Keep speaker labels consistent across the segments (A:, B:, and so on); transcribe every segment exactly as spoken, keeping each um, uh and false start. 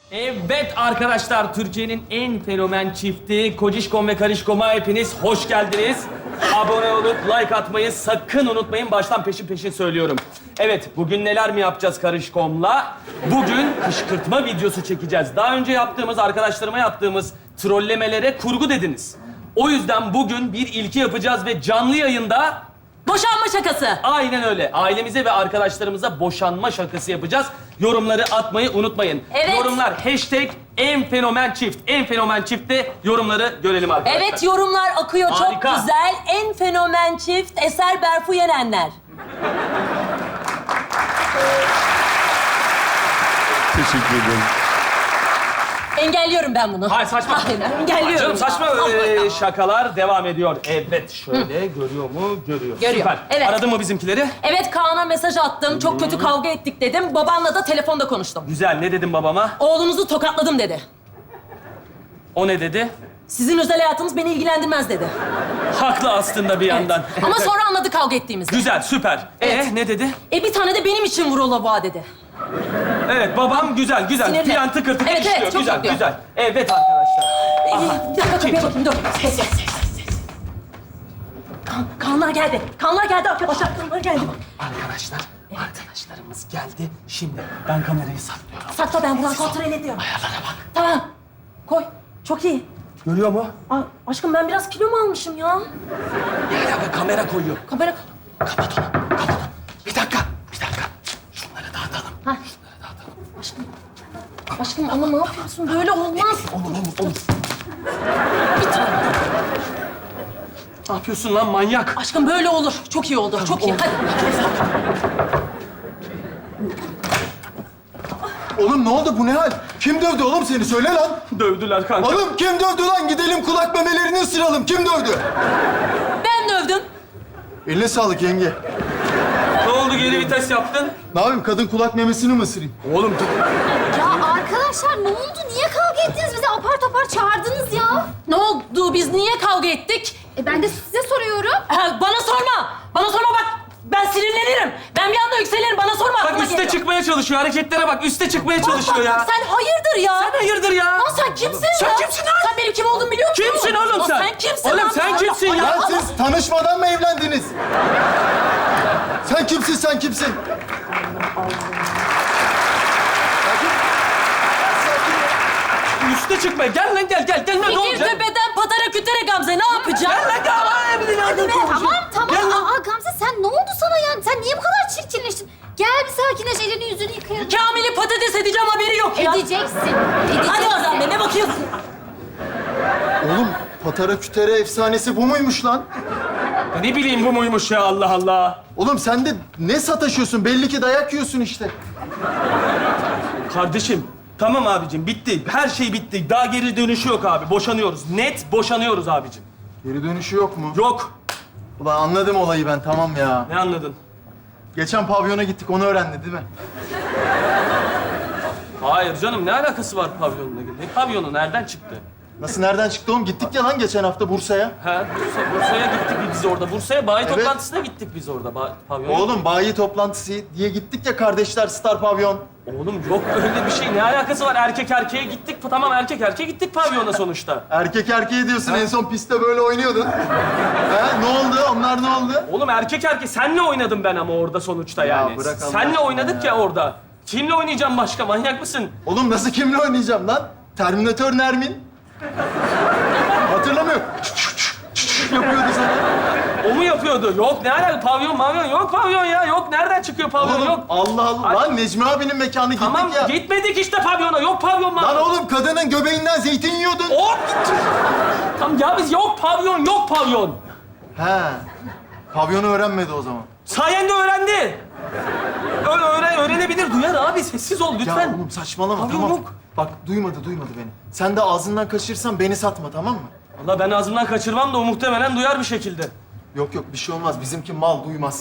A: Evet arkadaşlar, Türkiye'nin en fenomen çifti Kocişkom ve Karışkom'a hepiniz hoş geldiniz. Abone olup like atmayı sakın unutmayın. Baştan peşin peşin söylüyorum. Evet, bugün neler mi yapacağız Karışkom'la? Bugün kışkırtma videosu çekeceğiz. Daha önce yaptığımız, arkadaşlarıma yaptığımız trollemelere kurgu dediniz. O yüzden bugün bir ilki yapacağız ve canlı yayında...
B: Boşanma şakası.
A: Aynen öyle. Ailemize ve arkadaşlarımıza boşanma şakası yapacağız. Yorumları atmayı unutmayın.
B: Evet.
A: Yorumlar hashtag en fenomen çift. En fenomen çiftte yorumları görelim arkadaşlar.
B: Evet, yorumlar akıyor.
A: Harika.
B: Çok güzel. En fenomen çift Eser Berfu Yenenler.
C: Teşekkür ederim.
B: Engelliyorum ben bunu.
A: Hayır saçma.
B: Hayır, engelliyorum.
A: Canım saçma
B: ya.
A: ee, şakalar devam ediyor. Evet şöyle görüyor mu? Görüyor.
B: Görüyor.
A: Süper.
B: Evet.
A: Aradın mı bizimkileri?
B: Evet, Kaan'a mesaj attım. Çok kötü kavga ettik dedim. Babanla da telefonda konuştum.
A: Güzel. Ne dedim babama?
B: Oğlunuzu tokatladım dedi.
A: O ne dedi?
B: Sizin özel hayatınız beni ilgilendirmez dedi.
A: Haklı aslında bir yandan.
B: Evet. Ama sonra anladı kavga ettiğimizi.
A: Güzel, süper.
B: Evet.
A: Ee ne dedi?
B: E bir tane de benim için vur o lavuğa dedi.
A: Evet babam güzel, güzel.
B: Sinirli.
A: Plan tıkır tıkır
B: Evet, evet,
A: işliyor.
B: çok
A: güzel,
B: mutluyum.
A: güzel. Evet arkadaşlar.
B: Ee, bir dakika kapıya bakayım, dur. Ses, ses, ses, ses. Kan, Kaanlar geldi. Kaanlar geldi arkadaşlar. Kaanlar geldi.
A: Arkadaşlar, arkadaşlarımız geldi. Şimdi ben kamerayı saklıyorum.
B: Sakla, ben buradan kontrol ediyorum.
A: Ayarlara bak.
B: Tamam. Koy. Çok iyi.
A: Görüyor mu?
B: Aa, aşkım ben biraz kilo mu almışım ya?
A: Ya ya bak, kamera koyuyor.
B: Kamera...
A: Kapat onu, kapat onu. Bir dakika, bir dakika. Şunları dağıtalım.
B: Ha.
A: Şunları dağıtalım.
B: Aşkım. Aşkım ama ne yapıyorsun? Böyle olmaz.
A: Olur, olur, olur. Bir tane. Ne yapıyorsun lan manyak?
B: Aşkım böyle olur. Çok iyi oldu. Çok iyi.
A: oldu.
B: Hadi.
C: Oğlum ne oldu? Bu ne hal? Kim dövdü oğlum seni? Söyle lan.
A: Dövdüler kanka.
C: Oğlum kim dövdü lan? Gidelim kulak memelerini ısıralım. Kim dövdü?
B: Ben dövdüm.
C: Eline sağlık yenge.
A: Ne oldu, geri vites yaptın?
C: Ne yapayım? Kadın kulak memesini mi ısırayım?
A: Oğlum
D: Ya arkadaşlar ne oldu? Niye kavga ettiniz? Bizi apar topar çağırdınız ya.
B: Ne oldu? Biz niye kavga ettik?
D: E ben de size soruyorum.
B: Ha, bana sorma. Bana sorma bak. Ben sinirlenirim. Ben bir anda yükselirim. Bana sorma.
A: bak
B: aklıma
A: üste
B: geliyor.
A: çıkmaya çalışıyor. Hareketlere bak, üste çıkmaya
B: Bak,
A: çalışıyor
B: bak,
A: ya.
B: Sen hayırdır ya?
A: Sen hayırdır ya?
B: Lan sen kimsin
A: Sen
B: ya?
A: kimsin lan?
B: Sen benim kim olduğumu biliyor musun?
A: Kimsin oğlum
B: Lan
A: sen?
B: Sen kimsin
A: Oğlum
B: lan?
A: sen
B: Allah
A: kimsin ya?
B: Allah.
C: Lan siz tanışmadan mı evlendiniz? Sen kimsin? Sen kimsin?
A: Üste çıkmaya. Gel lan gel gel. Gel lan ne
B: Fikir
A: olacak?
B: tepeden patara kütere Gamze. Ne yapacaksın?
A: Gel lan gel. Ay, bir nereden konuşuyor?
D: Tamam tamam.
A: Gel lan.
D: Aa Gamze sen ne oldu sana yani? Sen niye bu kadar çirkinleştin? Gel bir sakinleş, elini yüzünü yıkayalım.
B: Kamil'i patates edeceğim haberi yok ya.
D: Edeceksin. Edeceksin.
B: Hadi o zaman be, ne bakıyorsun?
C: Oğlum patara kütere efsanesi bu muymuş lan?
A: Ne bileyim bu muymuş ya, Allah Allah.
C: Oğlum sen de ne sataşıyorsun? Belli ki dayak yiyorsun işte.
A: Kardeşim, tamam abicim bitti. Her şey bitti. Daha geri dönüşü yok abi. Boşanıyoruz. Net boşanıyoruz abicim.
C: Geri dönüşü yok mu?
A: Yok.
C: Ulan anladım olayı ben, tamam ya.
A: Ne anladın?
C: Geçen pavyona gittik, onu öğrendi değil mi?
A: Hayır canım, ne alakası var pavyonla? Ne pavyonu? Nereden çıktı?
C: Nasıl, nereden çıktı oğlum? Gittik ya lan geçen hafta Bursa'ya.
A: Ha, Bursa, Bursa'ya gittik biz orada. Bursa'ya bayi
C: Evet.
A: toplantısına gittik biz orada. Ba pavyon.
C: Oğlum bayi toplantısı diye gittik ya kardeşler Star Pavyon.
A: Oğlum yok öyle bir şey. Ne alakası var? Erkek erkeğe gittik. Tamam erkek erkeğe gittik pavyona sonuçta.
C: Erkek erkeğe diyorsun, en son pistte böyle oynuyordun. ha, ne oldu? Onlar ne oldu?
A: Oğlum erkek erkeğe senle oynadım ben ama orada sonuçta
C: Ya
A: yani.
C: bırak Allah
A: Senle
C: aşkına
A: oynadık ya.
C: ya.
A: orada. Kimle oynayacağım başka? Manyak mısın?
C: Oğlum nasıl kimle oynayacağım lan? Terminator Nermin. Hatırlamıyor. yapıyordu sana.
A: O mu yapıyordu? Yok ne alaka? Pavyon mavyon yok pavyon ya. Yok nereden çıkıyor pavyon?
C: Oğlum
A: Yok.
C: Allah Allah.
A: Ay-
C: Lan Necmi abinin mekanı gittik
A: Tamam
C: ya.
A: gitmedik işte pavyona. Yok pavyon mavyon.
C: Lan oğlum kadının göbeğinden zeytin yiyordun.
A: Hop! Tamam ya biz yok pavyon, yok pavyon.
C: He. Pavyonu öğrenmedi o zaman.
A: Sayende öğrendi. Öyle öğren, öğrenebilir, duyar abi. Sessiz ol lütfen.
C: Ya oğlum saçmalama
A: Pavyon
C: tamam.
A: yok.
C: Bak duymadı duymadı beni. Sen de ağzından kaçırırsan beni satma tamam mı?
A: Vallahi ben ağzımdan kaçırmam da o muhtemelen duyar bir şekilde.
C: Yok yok bir şey olmaz. Bizimki mal duymaz.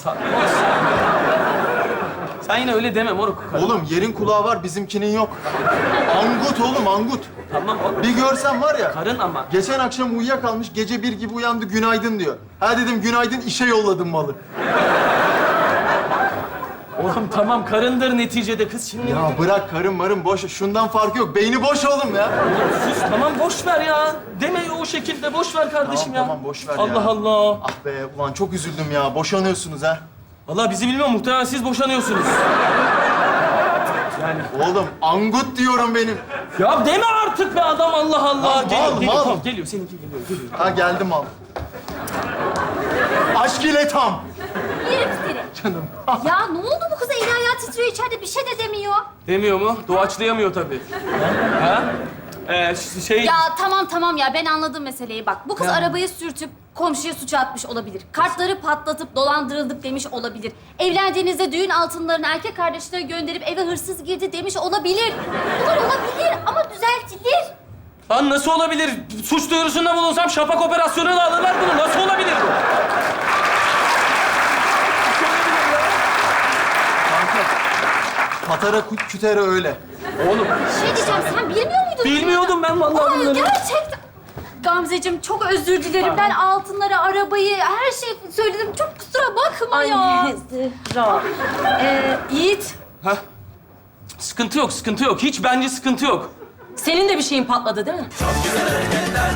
A: Sen yine öyle deme moruk.
C: Oğlum yerin kulağı var bizimkinin yok. Angut oğlum angut.
A: Tamam oğlum.
C: Bir görsen var ya.
A: Karın ama.
C: Geçen akşam uyuyakalmış, gece bir gibi uyandı, günaydın diyor. Ha dedim, günaydın, işe yolladım malı.
A: Oğlum tamam karındır neticede kız şimdi.
C: Ya bırak karın marın boş. Şundan farkı yok. Beyni boş oğlum ya.
A: Sus tamam boş ver ya. Deme o şekilde boş ver kardeşim
C: Tamam,
A: ya.
C: tamam, boş ver ya.
A: Allah Allah.
C: Ah be ulan çok üzüldüm ya. Boşanıyorsunuz ha.
A: Vallahi bizi bilmiyorum muhtemelen siz boşanıyorsunuz. Yani
C: Oğlum angut diyorum benim.
A: ya deme artık be adam Allah Allah.
C: Mal,
A: geliyor,
C: mal,
A: geliyor,
C: mal.
A: tamam, geliyor seninki geliyor geliyor.
C: Ha geldim al. Aşk ile tam.
D: Yerim seni.
C: Canım.
D: Ya ne oldu bu kıza? Eli ayağı titriyor içeride bir şey de demiyor.
A: Demiyor mu? Doğaçlayamıyor tabii. ha? Ee, ş- şey...
D: Ya tamam tamam ya ben anladım meseleyi bak. Bu kız arabayı sürtüp komşuya suç atmış olabilir. Kartları patlatıp dolandırıldık demiş olabilir. Evlendiğinizde düğün altınlarını erkek kardeşine gönderip eve hırsız girdi demiş olabilir. Bunlar olabilir ama düzeltilir.
A: Lan nasıl olabilir? Suç duyurusunda bulunsam şafak operasyonuna alırlar bunu. Nasıl olabilir bu?
C: Patara kü- kütere öyle.
A: Oğlum
D: Şey diyeceğim sen bilmiyor muydun?
A: bilmiyordum ben vallahi
D: Aa,
A: bunları.
D: gerçekten. Gamzeciğim çok özür dilerim. Ben altınları, arabayı, her şeyi söyledim. Çok kusura bakma ya.
B: Ay Zehra. Ee, Yiğit,
A: Ha? Sıkıntı yok, sıkıntı yok. Hiç bence sıkıntı yok.
B: senin de bir şeyin patladı değil mi?
E: Güzel hareketler